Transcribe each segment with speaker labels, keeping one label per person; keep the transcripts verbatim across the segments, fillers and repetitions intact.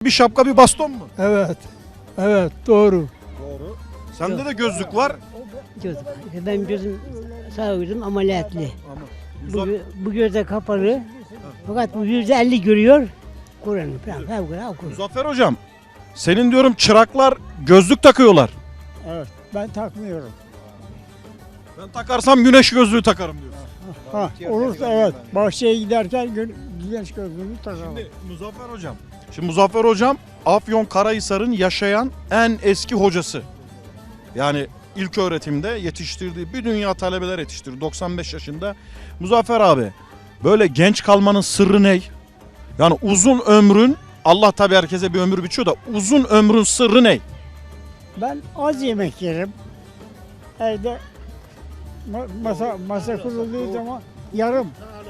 Speaker 1: bir şapka bir baston mu?
Speaker 2: Evet. Evet doğru.
Speaker 1: Doğru. Sende de gözlük var.
Speaker 3: Gözüm. Ben gözüm sağ gözüm ameliyatlı.
Speaker 1: Ama
Speaker 3: Bu,
Speaker 1: Muzaf-
Speaker 3: bu gözde kapalı. Fakat bu yüzde elli görüyor. Kur'an falan falan okur.
Speaker 1: Muzaffer hocam, senin diyorum çıraklar gözlük takıyorlar.
Speaker 2: Evet. Ben takmıyorum.
Speaker 1: Ben takarsam güneş gözlüğü takarım diyorsun.
Speaker 2: Ha, olursa evet. Bahçeye giderken gün, güneş gözlüğünü takalım.
Speaker 1: Şimdi Muzaffer hocam. Şimdi Muzaffer hocam Afyonkarahisar'ın yaşayan en eski hocası. Yani ilk öğretimde yetiştirdiği bir dünya talebeler yetiştirdi. doksan beş yaşında. Muzaffer abi, böyle genç kalmanın sırrı ne? Yani uzun ömrün, Allah tabii herkese bir ömür biçiyor da uzun ömrün sırrı ne?
Speaker 2: Ben az yemek yerim. Evde ma- masa masa kurulduğu zaman yarım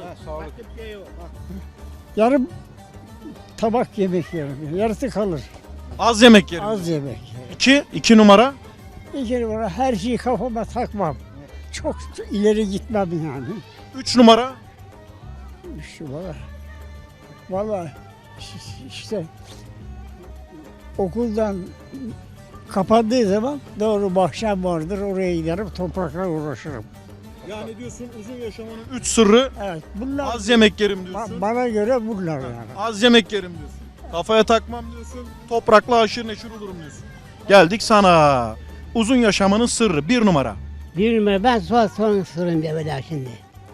Speaker 2: yarım tabak yemek yerim. Yarısı kalır.
Speaker 1: Az yemek yerim.
Speaker 2: Az yemek yerim.
Speaker 1: İki, iki numara.
Speaker 2: Bir kere bana her şeyi kafama takmam. Çok ileri gitmem yani.
Speaker 1: Üç numara.
Speaker 2: Şu valla. Valla işte okuldan kapandığı zaman doğru bahçem vardır, oraya giderim, toprakla uğraşırım.
Speaker 1: Yani diyorsun uzun yaşamanın üç sırrı
Speaker 2: Evet, bunlar
Speaker 1: az yemek yerim
Speaker 2: ba-
Speaker 1: diyorsun.
Speaker 2: bana göre bunlar yani.
Speaker 1: Az yemek yerim diyorsun. Kafaya takmam diyorsun. Toprakla haşır neşir olurum diyorsun. Geldik sana. Uzun yaşamanın sırrı bir numara.
Speaker 3: Bir numara ben sual sorun sorayım bir evvela şimdi.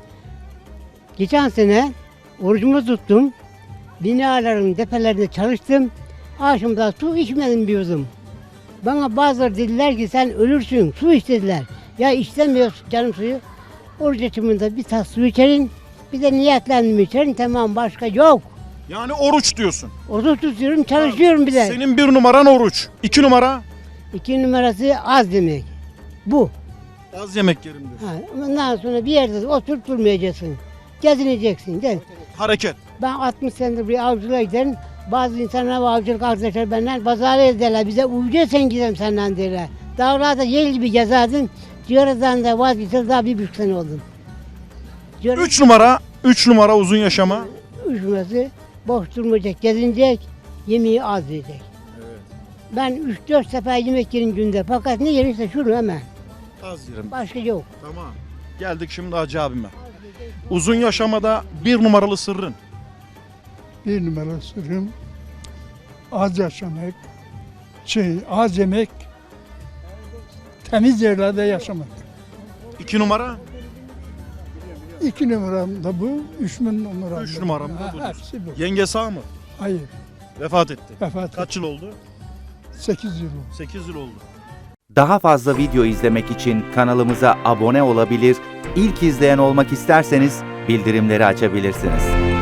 Speaker 3: Geçen sene orucumu tuttum. Binaların tepelerinde çalıştım. Akşamda su içmedim bir yudum. Bana bazıları dediler ki sen ölürsün, su iç dediler. Ya istemiyoruz canım suyu. Oruç açımında bir tas su içerin, bir de niyetlendim içerin, tamam başka yok.
Speaker 1: Yani oruç diyorsun.
Speaker 3: Oruç tutuyorum, çalışıyorum bir de.
Speaker 1: Senin bir numaran oruç. İki numara
Speaker 3: İki numarası az demek. Bu.
Speaker 1: az yemek yerim diyorsun.
Speaker 3: Ha, ondan sonra bir yerde oturup durmayacaksın. Gezineceksin. Gel.
Speaker 1: Hareket.
Speaker 3: Ben altmış senedir bir avcılığa giderim. Bazı insanlar bu avcılık arkadaşlar benden pazara ederler. Bize uyuyor sen gidelim senden derler. Dağlarda yel gibi gezerdim. Ciğerden de vazgeçtim, daha bir buçuk sene oldum. Ciğer,
Speaker 1: Üç numara. Üç numara uzun yaşama.
Speaker 3: üç numarası boş durmayacak, gezinecek, yemeği az yiyecek. Ben üç dört sefer yemek yerim günde. Fakat ne yerirse şunu hemen.
Speaker 1: Az yerim.
Speaker 3: Başka yok.
Speaker 1: Tamam. Geldik şimdi Hacı abime. Uzun yaşamada bir numaralı sırrın.
Speaker 2: Bir numara sırrım az yaşamak, şey az yemek, temiz yerlerde yaşamak.
Speaker 1: İki numara.
Speaker 2: İki numaram da bu, üç numaram
Speaker 1: Üç
Speaker 2: da
Speaker 1: numaram
Speaker 2: bu.
Speaker 1: da bu
Speaker 2: Ha,
Speaker 1: diyorsun.
Speaker 2: hepsi bu.
Speaker 1: Yenge sağ mı?
Speaker 2: Hayır,
Speaker 1: Vefat etti.
Speaker 2: vefat
Speaker 1: Kaç yıl oldu?
Speaker 2: sekiz yıl oldu.
Speaker 1: Sekiz yıl oldu.
Speaker 4: Daha fazla video izlemek için kanalımıza abone olabilir, ilk izleyen olmak isterseniz bildirimleri açabilirsiniz.